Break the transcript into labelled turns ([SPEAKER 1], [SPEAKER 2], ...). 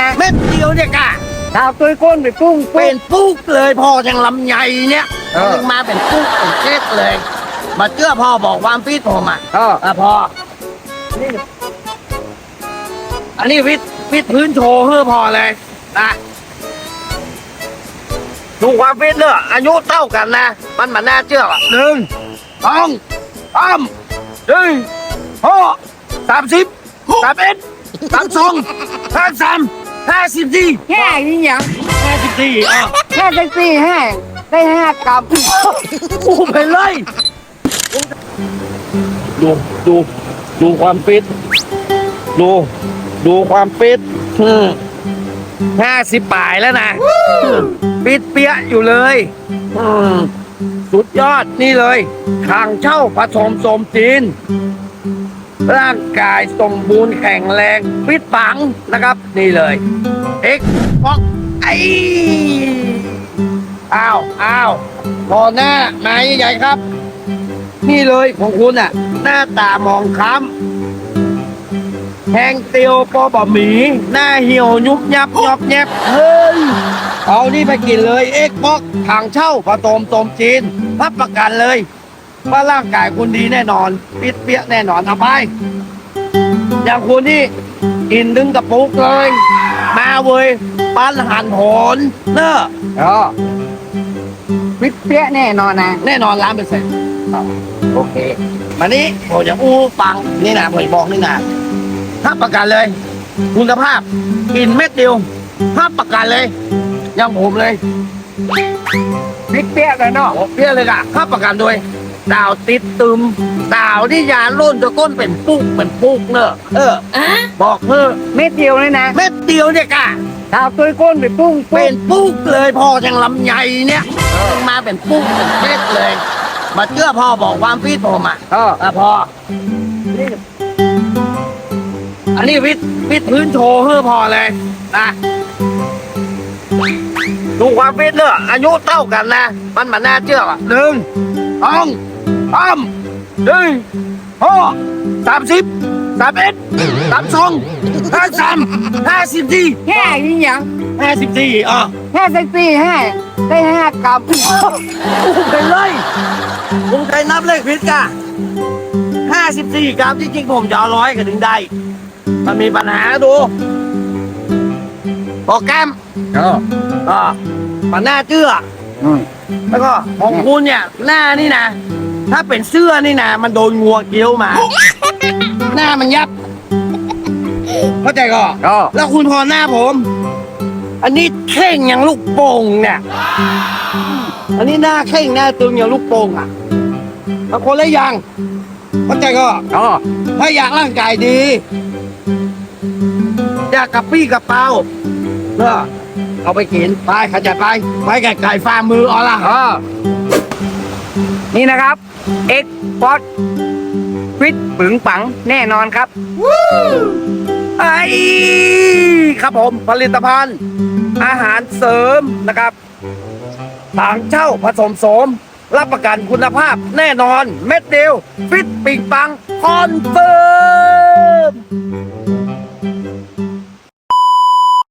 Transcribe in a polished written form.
[SPEAKER 1] เม็ดเดียวเนี่ยกะ
[SPEAKER 2] ดาวตุ้ยก้นไปปุ้ง
[SPEAKER 1] เป็นปุ๊กเลยพออย่างลำไยเนี่ยถึงมาเป็นปุ๊กเป็นเช็ดเลยมาเชื่อพ่อบอกความฟิตผมอ่ะพอนี่อันนี้ฟิตพื้นโชว์เพื่อพอเลยนะดูความฟิตเนอะอายุเท่ากันนะมันน่าเชื่ออ่ะ1 2 3 4 30 31 32 33 54
[SPEAKER 2] แค่นี้ยัง
[SPEAKER 1] 54อ่ะ
[SPEAKER 2] แค่ได้สี่แห้งได้5 กรัม
[SPEAKER 1] กูไปเลยดูความฟิตดูความฟิต50ปลายแล้วนะฟิตเปี้ยอยู่เลยสุดยอดนี่เลยทางเช่าผสมสมจีนร่างกายสมบูรณ์แข็งแรงฟิตปังนะครับนี่เลยเอ็กฟอกไออ้าวพอหน้าไม้ใหญ่ครับนี่เลยของคุณอ่ะหน้าตามองค้ำแหงเตียวปอบะหมี่หน้าเหี่ยวยุบยับยอบแยบเฮ้ยเอานี่ไปกินเลยเอ็กบ็อกทางเช่าผสมสมจีนรับประกันเลยว่าร่างกายคุณดีแน่นอนปิดเปี้ยแน่นอนเอาไปอย่างคุณนี่กินดึงกระปุกเลยมาเว้ยปั้นหันโหนเนอะ
[SPEAKER 2] วิทย์เปี้ยแน่นอนนะ
[SPEAKER 1] แน่นอน100%โอเคมานี้ผมจะอู้ฟังนี่นะผมบอกนี่นะรับประกันเลย คุณภาพกินเม็ดเดียวรับประกันเลยอย่างผมเลย
[SPEAKER 2] วิทย์เปี้ยเลยเนาะ
[SPEAKER 1] เพี้ยเลยอะรับประกันด้วยดาวติดตึมดาวที่ยาล้นจะก้นเป็นปุ๊กเนอะบอกเพื่อ
[SPEAKER 2] เม็ดเดียวเลยนะ
[SPEAKER 1] เม็ดเดียวเนี่ยกะ
[SPEAKER 2] ดาวตุ้ยก้นไปปุ้ง
[SPEAKER 1] เป็นปุ๊กเลยพออย่างลำไยเนี่ยถึงมาเป็นปุ๊กเป็นเช็ดเลยมาเชื่อพ่อบอกความฟิตผมอ่ะพอนี่อันนี้ฟิตพื้นโชว์เพื่อพอเลยนะดูความฟิตเนอะอายุเท่ากันนะมันน่าเชื่ออ่ะ1 2 3 4 30 31 32 33 54
[SPEAKER 2] แค่นี้ยัง
[SPEAKER 1] 54อ่ะ
[SPEAKER 2] แค่ได้สี่แห้งได้5 กรัม
[SPEAKER 1] กูไปเลยผมเคยนับเลขผิดกะ54 กรัมที่จริงผมจะเอา100ก็ถึงได้มันมีปัญหาดูโปรแกรมมันน่าเชื่อแล้วก็ของคุณเนี่ยหน้านี่นะถ้าเป็นเสื้อนี่นะมันโดนงัวเกี้ยวมา หน้ามันยับเข้าใจก็แล้วคุณพอหน้าผม อันนี้เข่งอย่างลูกโป่งเนี่ยอันนี้หน้าเข่งหน้าตึงอย่างลูกโป่งอ่ะบางคนละอย่างเข้าใจก็ถ้าอยากร่างกายดีอยากกระปี้กระเป๋าเนอะเอาไปกินไปขจัดไปไก่ฟาร์มมือเอาล่ะ
[SPEAKER 2] นี่นะครับเอ็กฟอสฟิตปึงปังแน่นอนครับ
[SPEAKER 1] ไอ้ครับผมผลิตภัณฑ์อาหารเสริมนะครับต่างเช่าผสมโสมรับประกันคุณภาพแน่นอนเม็ดเดียวฟิตปิงปังคอนเฟิร์